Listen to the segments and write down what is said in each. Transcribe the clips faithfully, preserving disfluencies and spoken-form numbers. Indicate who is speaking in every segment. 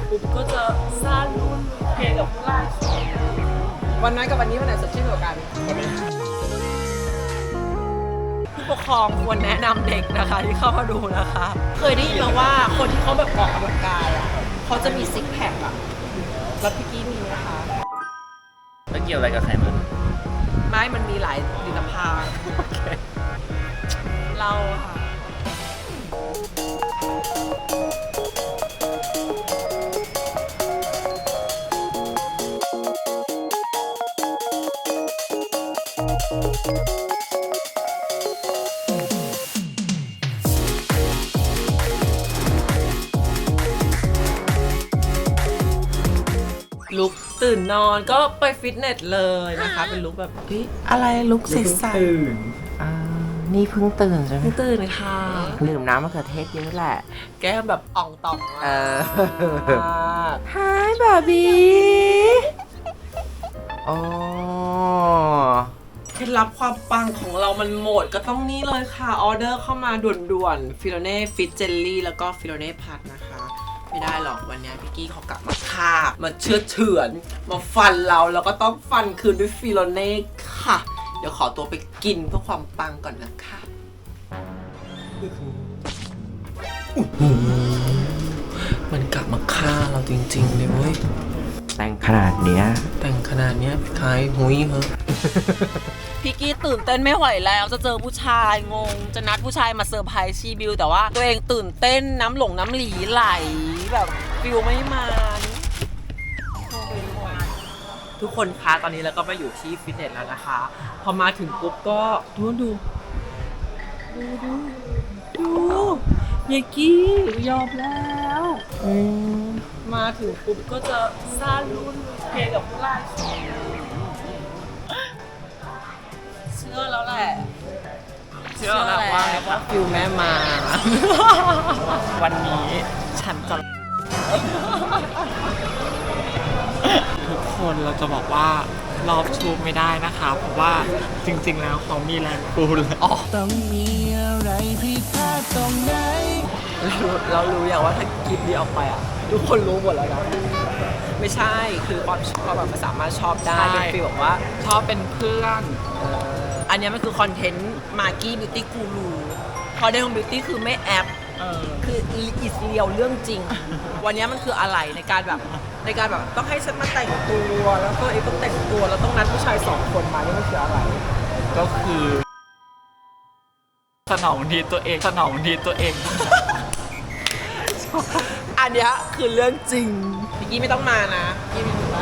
Speaker 1: ปุ๊บก็จะซ่ารุ่นเพลงกับผู้ไล่วันนั้นกับวันนี้วันไหนสดชื่นกว่ากันผู้ปกครองควรแนะนำเด็กนะคะที่เข้ามาดูนะคะ เคยได้ยินมาว่าคนที่เขาแบบออกกำลังกายอ่ะเขาจะมีซิกแพคอ่ะแล้วพี่กี้มีไหมคะ
Speaker 2: แล้วเกี่ยวอะไรกับไขมัน
Speaker 1: ไม่มันมีหลายผลิตภัณฑ์เราค่ะลุกตื่นนอนก็ไปฟิตเนสเลยนะคะเป็นลุกแบบเฮ้ยอะไรลุกใสๆ
Speaker 2: ตื่น
Speaker 3: อ่านี่เพิ่งตื่นใช่ไหม
Speaker 1: เพิ่งตื่นค่ะ
Speaker 3: ดื่มน้ำมะเขือเทศเยอะแหละ
Speaker 1: แก้มแบบอ่องต่อง
Speaker 3: เออ
Speaker 1: มาก
Speaker 3: Hi บาร์บี้โอ้
Speaker 1: เคล็ดลับความปังของเรามันหมดก็ต้องนี่เลยค่ะออเดอร์เข้ามาด่วนๆฟิโลเน่ฟิตเจลลี่แล้วก็ฟิโลเน่พัดนะคะไม่ได้หรอกวันนี้พี่กี้เขากลับมาฆ่ามาเชื่อเฉือนมาฟันเราแล้วก็ต้องฟันคืนด้วยฟิโลเน่ค่ะ เดี๋ยวขอตัวไปกินเพื่อความปังก่อนนะคะมันกลับมาฆ่าเราจริงๆเลยเว้ย
Speaker 3: แต่งขนาดเนี้ย
Speaker 1: แต่งขนาดเนี้ยคล้ายหุยเหรอ พี่กี้ตื่นเต้นไม่ไหวแล้วจะเจอผู้ชายงงจะนัดผู้ชายมาเซอร์ไพรส์ชีบิวแต่ว่าตัวเองตื่นเต้นน้ำหลงน้ำหลีไหลแบบฟิลไม่มาทุกคนคะตอนนี้เราก็มาอยู่ที่ฟิตเนสแล้วนะคะพอมาถึงปุ๊บก็ดูดูดูดูดูเยกี้ยอมแล้วมาถึงปุ๊บก็จะซ่ารุ่นเพลงกับผู้ไล่เชื่อแล้วแหละเชื่อแล้วว่าว่าฟิลแม่มา
Speaker 2: วันนี้ฉันจะ
Speaker 4: ทุกคนเราจะบอกว่ารอบชูไม่ได้นะคะ เพราะว่าจริงๆแล้วเขามีแรงปูนเลยอ๋อ
Speaker 3: ต้องมีอะไรผิดพลาดตรงไหน
Speaker 1: เราเรารู้อย่างว่าถ้าคลิปนี้ออกไปอ่ะทุกคนรู้หมดแล้วนะไม่ใช่คือความชอบแบบมันสามารถชอบได้เป็นฟีลแบบว่า
Speaker 4: ชอบเป็นเพื่อน
Speaker 1: อันเนี้ยมันคือคอนเทนต์มาร์กี้บิวตี้กูรูคอนเทนต์ของบิวตี้คือไม่แอป
Speaker 4: เออ
Speaker 1: คืออิสเรียลเรื่องจริง วันนี้มันคืออะไรในการแบบในการแบบต้องให้ฉันมาแต่งตัวแล้วก็เองต้องแต่งตัวแล้วต้องนัดผู้ชายสองคนมานี่มันคืออะไร
Speaker 4: ก็คือสนองดีตัวเองสนองดีตัวเอง
Speaker 1: อันเนี้ยคือเรื่องจริงพี่กี้ไม่ต้องมานะพี่มีหนูนะ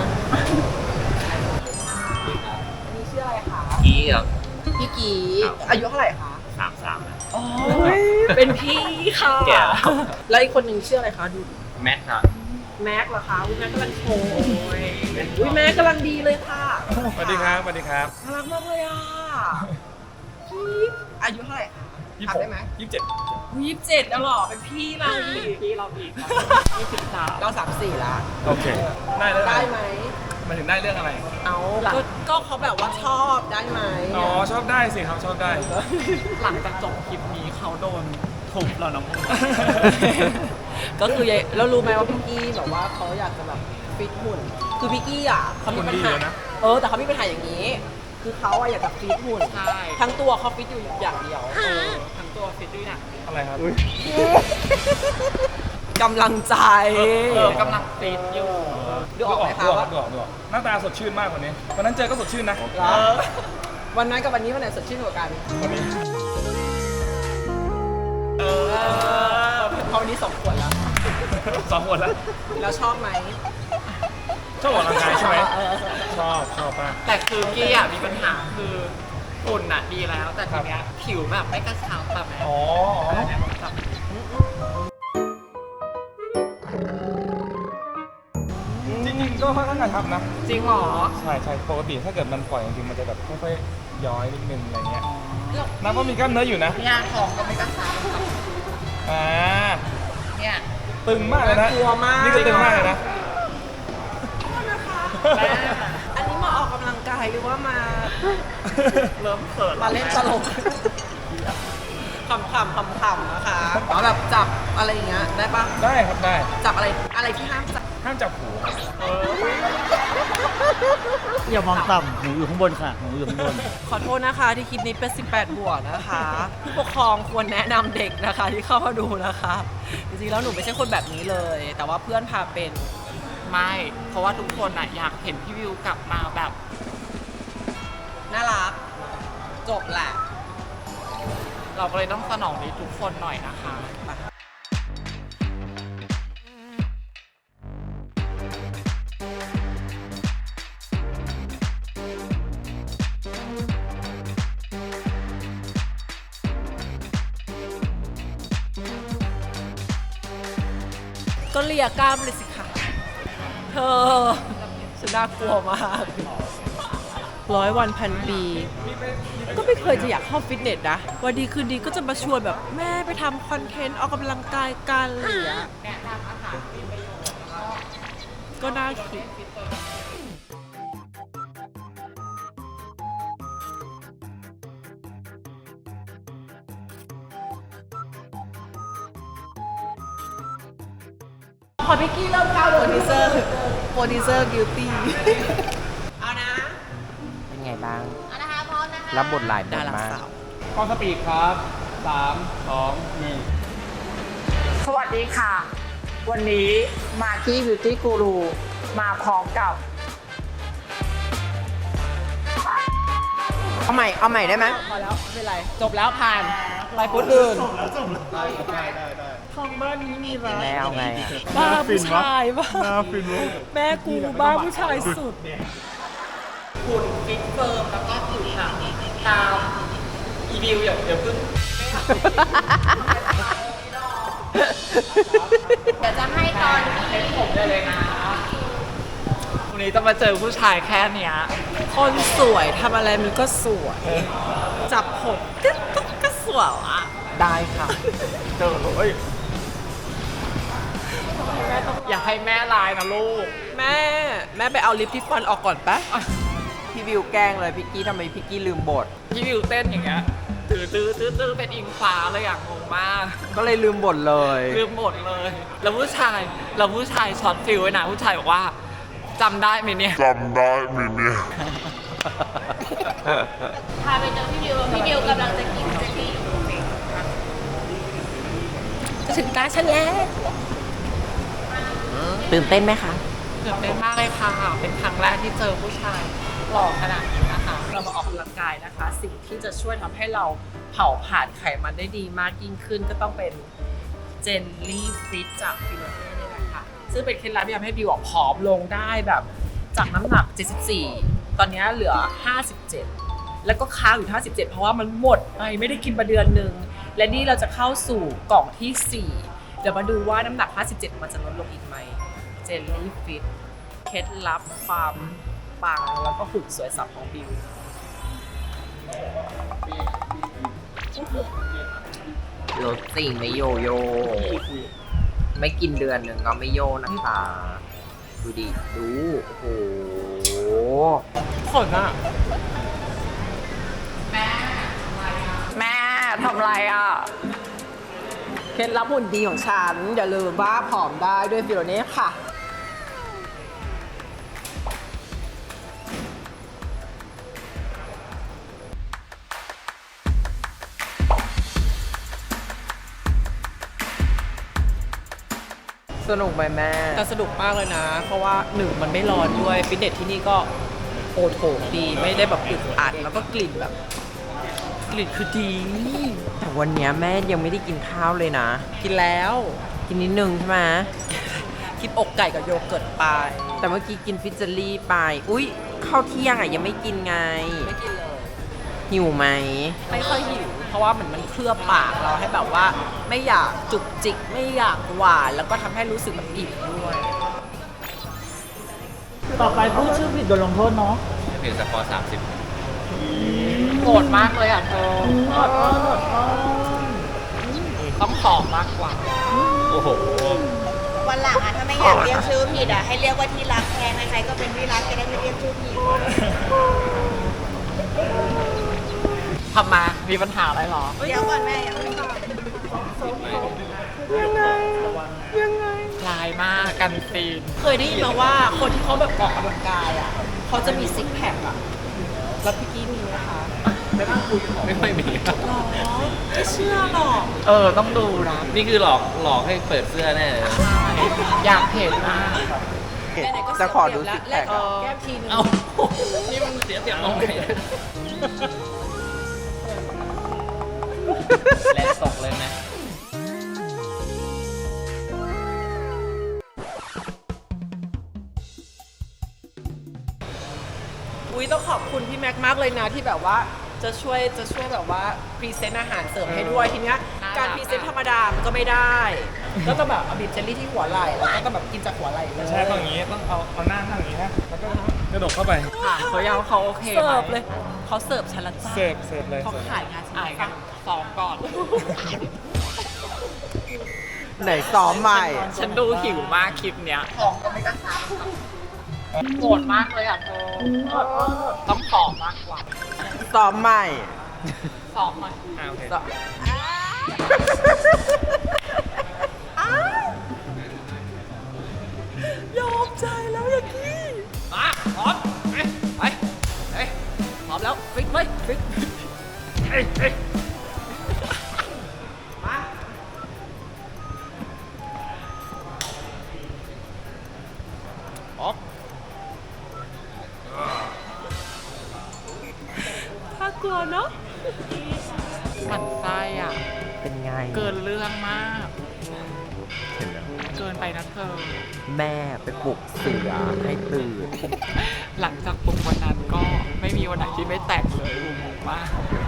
Speaker 1: นี่ชื่ออะไรคะ
Speaker 2: กี้ครับ
Speaker 1: พี่กี้อายุเท่าไหร่คะ
Speaker 2: สามสาม
Speaker 1: อ๋อเป็นพี่ค่ะ
Speaker 2: แก่แล้ว
Speaker 1: แล้วอีกคนหนึ่งชื่ออะไรคะดู
Speaker 2: แมทครับ
Speaker 1: แม็กเหรอคะอุ้ยแม็กกำลังโชว์อุ้ยแม็กกำลังดีเลยค่ะ
Speaker 5: สวัสดีครับ สวัสดีครับ
Speaker 1: น่ารักมากเลยอ่ะพี่อายุเท่าไหร่คะ
Speaker 5: ยี่
Speaker 1: ถา
Speaker 5: สิ
Speaker 1: ม
Speaker 5: บ
Speaker 1: ได้ไหม
Speaker 5: ยี่สิบเจ็ด
Speaker 1: ยี่สิบเจ็ดแล้วเหรอเป็นพี่เราอีก
Speaker 4: พี่เราอีกยี่สิบสาม
Speaker 1: เราสามสี่ละ
Speaker 5: โอเค ได้แล้ว
Speaker 1: ได้ไหม
Speaker 5: หมายถึงได้เรื่องอะไร
Speaker 1: เอาก็ก็เขาแบบว่าชอบได้ไหม
Speaker 5: อ๋อ ชอบได้สิครับ ชอบได้
Speaker 4: หลังจากจบคลิปนี้เขาโดนทุบแล้วนะมึง
Speaker 1: ก็คือแล้วรู้ไหมว่าพี่กี้แบบว่าเขาอยากจะแบบฟิตหุ่นคือพี่กี้อ่ะเขามีปัญ
Speaker 5: หุ่นดี
Speaker 1: หา
Speaker 5: เลยนะ
Speaker 1: เออแต่เขามีปัญหาอย่างนี้ คือเขาอะอยากจะฟิตหุ่น
Speaker 4: ใช่
Speaker 1: ทั้งตัวเขาฟิตอยู่อย่างเดียว
Speaker 4: เออทั้งตัวฟิตด้วยนะ
Speaker 5: อะไรครับ
Speaker 1: กำลังใจ
Speaker 4: เออกำลังฟิตอยู่
Speaker 1: ดูออกไหมคะ
Speaker 5: ดูออ
Speaker 1: ว่า
Speaker 5: กดูออกดูออกหน้าตาสดชื่นมากกว่านี้วันนั้นเจอก็สดชื่นนะ
Speaker 1: เหรอวันนั้นกับวันนี้วันไหนสดชื่นกว่ากัน
Speaker 5: วันนี้
Speaker 1: เออเพราะวันนี้สองขวดแล้ว
Speaker 5: สองคนแล้ว
Speaker 1: แล้วชอบไหม
Speaker 5: ชอบออกกำลังกายใช่ไหม
Speaker 1: เออ
Speaker 5: ชอบ ชอบมาก
Speaker 4: แต่คือกี้อ่ะมีปัญหาคือฝุ่นอ่ะดีแล้ว แต่ทีเนี้ยผิวแบบไม่กระชับแบบ
Speaker 5: อ๋ออ๋อ
Speaker 4: เนี่ยแบบ
Speaker 5: จริงๆก็ค่อนข้างกระชับนะ
Speaker 4: จริงเหรอ
Speaker 5: ใช่ใช่ปกติถ้าเกิดมันปล่อยจริงๆมันจะแบบค่อยๆย้อยนิดนึงอะไรเงี้ยนับว่ามีกล้ามเนื้ออยู่นะ
Speaker 4: เนี่ยของก็ไม่กระชับ
Speaker 5: อ่า
Speaker 4: เนี่ย
Speaker 5: ตึงมากเลยนะ
Speaker 1: กลัวมาก
Speaker 5: นี่ก็ตึงมากเลยนะ
Speaker 4: แม่
Speaker 1: อันนี้มาออกกำลังกายหรือว่ามา
Speaker 4: เริ่มเขิน
Speaker 1: มาเล่นตลกขำๆขำๆนะคะเอาแบบจับอะไรอย่างเงี้ยได้ปะ
Speaker 5: ได้ครับได้
Speaker 1: จับอะไรอะไรที่ห้ามจับ
Speaker 5: ห้ามจับหูครับ
Speaker 6: อย่ามองต่ำหูอยู่ข้างบนค่ะหูอยู่ข้างบน
Speaker 1: ขอโทษนะคะที่คลิปนี้เป็นสิบแปดบวกนะคะ ผู้ปกครองควรแนะนำเด็กนะคะที่เข้ามาดูนะคะ จริงๆแล้วหนูไม่ใช่คนแบบนี้เลย แต่ว่าเพื่อนพาเป็น
Speaker 4: ไม่ เพราะว่าทุกคนอะอยากเห็นพี่วิวกลับมาแบบ
Speaker 1: น่ารัก จบแหละ
Speaker 4: เราก็เลยต้องสนองนี้ทุกคนหน่อยนะคะ
Speaker 1: ก็เลียกล้ามเลยสิค่ะเธอฉันน่ากลัวมากร้อยวันพันปี ก็ไม่เคยจะอยากเข้าฟิตเนสนะวันดีคืนดีก็จะมาชวนแบบแม่ไปทำคอนเทนต์ออกกำลังกายกันอะไรอย่างเงี้ยก็น่าคิดพอพิกกี้เริ่มเข้าโปรดิวเซอร์โปรดิวเซอร์กิลตี้เอานะ
Speaker 3: เป็นไงบ้างรับบทหลายบ
Speaker 1: ดา
Speaker 3: ท
Speaker 1: รา
Speaker 3: มาก
Speaker 1: สาว
Speaker 5: กล้องสปีดครับสามสองหนึ่ง
Speaker 4: สวัสดีค่ะ วันนี้มากี้บิวตี้กูรูมาพร้อมกับ
Speaker 3: เอาใหม่ เอาใหม่ได้ไหม
Speaker 1: พอแล้วไม่เป็นไร จบแล้วผ่านไปพุทธอื่น
Speaker 4: ของบ้านนี้มีร้าน
Speaker 3: แม่เอาไงอะ
Speaker 1: บ้าผู้ชายบ้า
Speaker 5: น่าฟินวะ
Speaker 1: แม่กูบ้าผู้ชายสุด
Speaker 4: หุ่นฟิตเฟิร์มแล้วก็ผิวหนังตามอีวิวอย่าอย่าพึ่ง
Speaker 7: เดี๋ยวจะให้ตอนที่
Speaker 4: เป็นผมได้เลยนะ วันนี้จะมาเจอผู้ชายแค่เนี้ย
Speaker 1: คนสวยทำอะไรมันก็สวย จับผมก็ก็สวยอ่ะ
Speaker 3: ได้ค่ะ
Speaker 5: เจอเฮ้ย
Speaker 4: อย่าให้แม่ลายนะลูก
Speaker 1: แม่ แม่ไปเอาลิปที่ฟันออกก่อนปะ
Speaker 3: พี่วิวแกล้งเลยพี่กี้ทำไมพี่กี้ลืมบท
Speaker 4: พี่วิวเต้นอย่างเงี้ยตื้อตื้อตื้อตื้อเป็นอิงฟ้าเลยอย่างงงมาก
Speaker 3: ก็เลยลืมบทเลย
Speaker 4: ลืมหมดเลย แล้วผู้ชายแล้วผู้ชายช็อตฟิลไว้นะผู้ชายบอกว่าจำได้ไหมเนี่ย
Speaker 7: พาไปเจอพี่ดิวพี่ดิวกำลังจะกินเจลลี่อยู่
Speaker 1: จะถึงตาฉันแล้ว
Speaker 3: ตื่นเต้นไหมคะ
Speaker 4: ตื่นเต้นมากเลยค่ะ เป็นครั้งแรกที่เจอผู้ชายหล่อขนาดนี้นะคะ เรามาออกกำลังกายนะคะ สิ่งที่จะช่วยทำให้เราเผาผลาญไขมันได้ดีมากยิ่งขึ้นก็ต้องเป็นเจลลี่ฟิตจากฟิโลเน่นี่แหละค่ะ ซึ่งเป็นเคล็ดลับที่ทำให้บิวอะผอมลงได้แบบจากน้ำหนัก เจ็ดสิบสี่ ตอนนี้เหลือ ห้าสิบเจ็ด แล้วก็ค้างอยู่ ห้าสิบเจ็ด เพราะว่ามันหมดไปไม่ได้กินมาเดือนหนึ่ง และนี่เราจะเข้าสู่กล่องที่ สี่ เดี๋ยวมาดูว่าน้ำหนัก ห้าสิบเจ็ด มันจะลดลงอีกไหม เจลลี่ฟิต เคล็ดลับความปังแล้วก็หุ่นสวยสับของบิว
Speaker 3: รถสิ่งไม่โยโย่ ไม่กินเดือนหนึ่งก็ไม่โยนะคะ ดูดิ ดู โอ้โห
Speaker 4: ขนอะแม่แม่ทำไรอ่ะ
Speaker 1: เคล็ดลับหุ่นดีของฉัน อย่าลืมว่าผอมได้ด้วยฟิโลเน่ค่ะ
Speaker 3: สนุกไหมแม่
Speaker 1: แต่สนุกมากเลยนะ เพราะว่าหนึ่งมันไม่ร้อนด้วย ฟิตเนสที่นี่ก็โอโถงดี ไม่ได้แบบอึดอัด แล้วก็กลิ่นแบบ กลิ่นคือดี
Speaker 3: แต่วันเนี้ยแม่ยังไม่ได้กินข้าวเลยนะ
Speaker 1: กินแล้ว
Speaker 3: กินนิดนึงใช่ไหม
Speaker 1: กินอกไก่กับโยเกิร์ตไป
Speaker 3: แต่เมื่อกี้กินฟิชเจอรี่ไป อุ๊ยข้าวเที่ยงอ่ะยังไม่กินไง
Speaker 1: ไม่กินเลย
Speaker 3: หิวไหม
Speaker 1: ไม่ค่อยหิว เพราะว่าเหมือนมันเคลือบปากเราให้แบบว่า ไม่อยากจุกจิก ไม่อยากหวาน แล้วก็ทำให้รู้สึกแบบอิ่มด้วย
Speaker 6: ต่อไปพูดชื่อผิดโดนลงโทษเนาะ
Speaker 2: เพียงสกอร์สามสิบ
Speaker 4: โกรธมากเลยอ่ะเธอต้องผอมมากกว่า
Speaker 2: โอ้โห
Speaker 7: วันหลังอ่ะถ้าไม่อยากเรียกชื่อผิดอ่ะให้เรียกว่าที่รักแทนใครๆก็เป็นที่รักจะได้ไม่เรียกชื่อผิด
Speaker 4: ทำมา มีปัญหาอะไรหรอ
Speaker 7: เดี๋ยวก่อนแม่ยังไม่ตอบ
Speaker 4: ร้านร้ายมากกันซีน
Speaker 1: เคยได้ยินมาว่าคนที่เขาแบบออกกำลังกายอ่ะเขาจะมีซิกแพคอ่ะแล้วพี่กี้มีไหมคะ
Speaker 2: ไม่ค่อยมีครับ
Speaker 1: หรอไม่เชื่อหรอก
Speaker 4: เออต้องดูนะ
Speaker 2: นี่คือหลอกหลอกให้เปิดเสื้อแน่เลย
Speaker 4: ใช่อยากเห็นมาก
Speaker 1: ไหนๆก็
Speaker 3: จะขอดู
Speaker 1: เสี
Speaker 3: ซิ
Speaker 1: ย
Speaker 3: ก
Speaker 1: เปรี
Speaker 3: แพ
Speaker 1: ยบ
Speaker 3: ค
Speaker 1: แล้ว
Speaker 3: อะ
Speaker 1: แก้มทีนึง
Speaker 2: เอ้า นี่มันเสียเปรียบตรงไหนเนี่ยแรงตกเลยไหม
Speaker 1: อุ้ยต้องขอบคุณพี่แม็กมากเลยนะที่แบบว่าจะช่วยจะช่วยแบบว่าพรีเซนต์อาหารเสริมให้ด้วยทีเนี้ย
Speaker 4: น่ารัก
Speaker 1: การพรีเซนต์ธรรมดามันก็ไม่ได้ ก็ต้องแบบเอาบีบเจลลี่ที่หัวไหล่แล้วก็ต้องแบบกินจากหัวไหล่เลย
Speaker 5: ใช่ต้องอย่างนี้ต้องเอาเอาหน้านั่งอย่างนี้ฮะแล้วก็กระโดดเข้าไป
Speaker 4: ถามเขายังว่าเขาโอเคไหม
Speaker 1: เสิร์ฟเลยเขาเสิร์ฟฉันละจ้า
Speaker 5: เสิร์ฟเสิร์ฟเลย
Speaker 1: เขา
Speaker 5: เสิร์ฟ
Speaker 1: ขายงานฉัน
Speaker 4: อ่าน
Speaker 1: ละ
Speaker 4: กั
Speaker 1: จ้าน
Speaker 4: สองก่อน
Speaker 3: ไหนซ้อมใหม่
Speaker 4: ฉันดูหิวมากคลิปเนี้ยท้องก็ไม่กระชับโกรธมากเลยอ่ะเธอต้องผอมมากกว่า
Speaker 3: ซ้อมใหม่
Speaker 4: ซ้อมหน่อย
Speaker 5: อ่าโอเค
Speaker 3: ซ้อม
Speaker 1: ยอมใจแล้วอย่างนี้
Speaker 4: มาพร้อมไปไปไปพร้อมแล้วฟิกเลยฟิกเฮ้ยเฮ้ยมา
Speaker 1: ถ้ากลัวเนาะ
Speaker 4: หมั่นไส้อ่ะ
Speaker 3: เป็นไง
Speaker 4: เกินเรื่องมาก
Speaker 3: เห็นแล้ว
Speaker 4: เกินไปนะเธอ
Speaker 3: แม่ไปปลุกเสือให้ตื่น
Speaker 4: หลังจากปลุกวันนั้นก็ไม่มีวันไหนที่ไม่แตกเลยงงมาก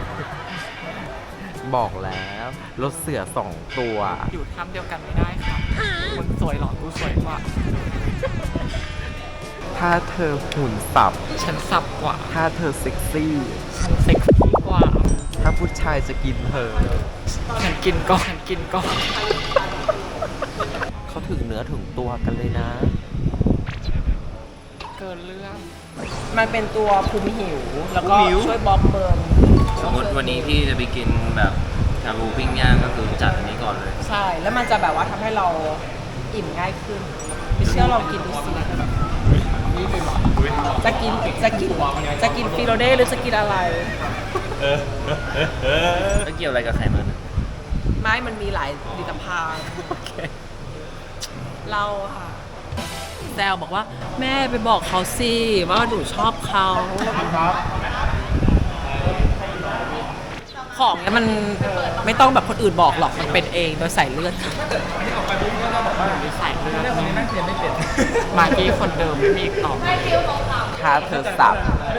Speaker 3: บอกแล้วรถเสือสองตัว
Speaker 4: อยู่ถ้ำเดียวกันไม่ได้ค่ะมึงสวยหรอกูสวยกว่า
Speaker 3: ถ้าเธอหุ่นสับ
Speaker 4: ฉันสับกว่า
Speaker 3: ถ้าเธอเซ็กซี่
Speaker 4: ฉันเซ็กซี่กว่า
Speaker 3: ถ้าผู้ชายจะกินเธอ
Speaker 4: ฉันกินก่อนฉันกินก่อน
Speaker 3: เขาถึงเนื้อถึงตัวกันเลยนะ
Speaker 4: เกินเรื่อง
Speaker 1: มันเป็นตัวคุมหิว แล้วก็ช่วยบล็อกเบิร์น
Speaker 2: สมมติวันนี้พี่จะไปกินแบบชาบูปิ้งย่างก็คือจัดอันนี้ก่อนเลย
Speaker 1: ใช่ แล้วมันจะแบบว่าทำให้เราอิ่มง่ายขึ้นไม่เชื่อลองกินดูสิจะกินจะกินจะกินฟิโลเน่หรือจะกินอะไร
Speaker 2: แล้วเกี่ยวอะไรกับไขมันอะ
Speaker 1: ไม่มันมีหลายผลิตภัณฑ์เราค่ะแซวบอกว่าแม่ไปบอกเขาสิว่าหนูชอบเขาของเนี้ยมันไม่ต้องแบบคนอื่นบอกหรอกมันเป็นเองโดยสายเลือดค่ะ
Speaker 4: ใส่เลือดมากกี้คนเดิมไม่มีอีกต่อไป
Speaker 3: ถ้าเธอสับ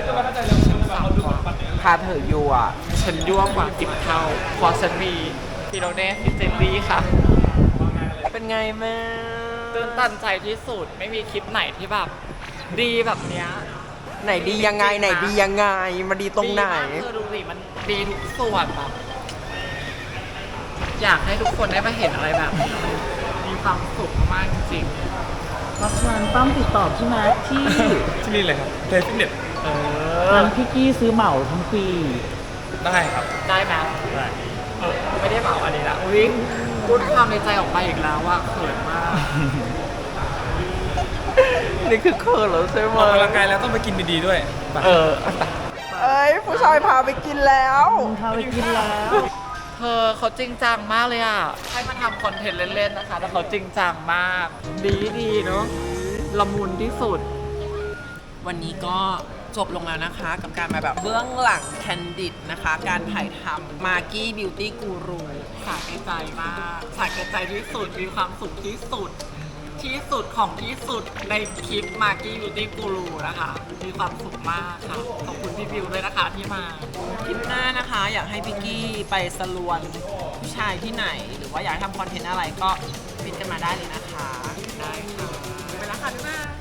Speaker 3: ถ้าเธอยั่ว
Speaker 4: ฉันยั่วกว่าสิบเท่าเพราะฉันมีฟิโลเน่ฟิเจนลี่ค่ะ
Speaker 3: เป็นไงแม่
Speaker 4: ตื่นตันใจที่สุดไม่มีคลิปไหนที่แบบดีแบบเนี้ย
Speaker 3: ไหนดียังไงไหนดียังไงมาดีตรงไหน
Speaker 4: ดีมากเธอดูสิมันดีทุกส่วนแบบอยากให้ทุกคนได้มาเห็นอะไรแบบนี้มีความสุขมากจริง
Speaker 6: เพราะฉะนั้นต้องติดต่อพี่แม็กที่
Speaker 5: ที่นี่เลยครับเทฟิตเนส
Speaker 4: ๆเอ
Speaker 6: ร้านพี่กี้ซื้อเหมาทั้งปี
Speaker 5: ได้ครับ
Speaker 4: ได้ไหม
Speaker 5: ได้
Speaker 4: เออไม่ได้เมาอันนี้ละวิ่งพูดความในใจออกไปอีกแล้วว่าเขินมาก
Speaker 3: นี่คือเคิร์แล้วใช่ไหม
Speaker 5: ออกกำลังกายแล้วต้องไปกินดีๆด้วยไป
Speaker 3: เออ เอ้ย ผู้ชายพาไปกินแล้ว
Speaker 6: พาไปกินแล้ว
Speaker 4: เธอเขาจริงจังมากเลยอ่ะ ให้มาทำคอนเทนต์เล่นๆนะคะ แต่เขาจริงจังมาก ดีดีๆเนาะละมุนที่สุด
Speaker 1: วันนี้ก็จบลงแล้วนะคะ กับการมาแบบเบื้องหลังแคนดิดนะคะ การถ่ายทำมากี้บิวตี้กูรู
Speaker 4: สาแก่ใจมากสาแก่ใจที่สุด มีความสุขที่สุด ที่สุดของที่สุดในคลิปมากี้บิวตี้กูรูนะคะ มีความสุขมากค่ะ ขอบคุณพี่บิวเลยนะคะที่มา
Speaker 1: คลิปหน้านะคะ อยากให้พี่กี้ไปสลวนผู้ชายที่ไหน หรือว่าอยากให้ทำคอนเทนต์อะไรก็พิมพ์กันมาได้เลยนะคะ
Speaker 4: ได้ค่ะ
Speaker 1: ไปแล้วค่ะบ๊ายบาย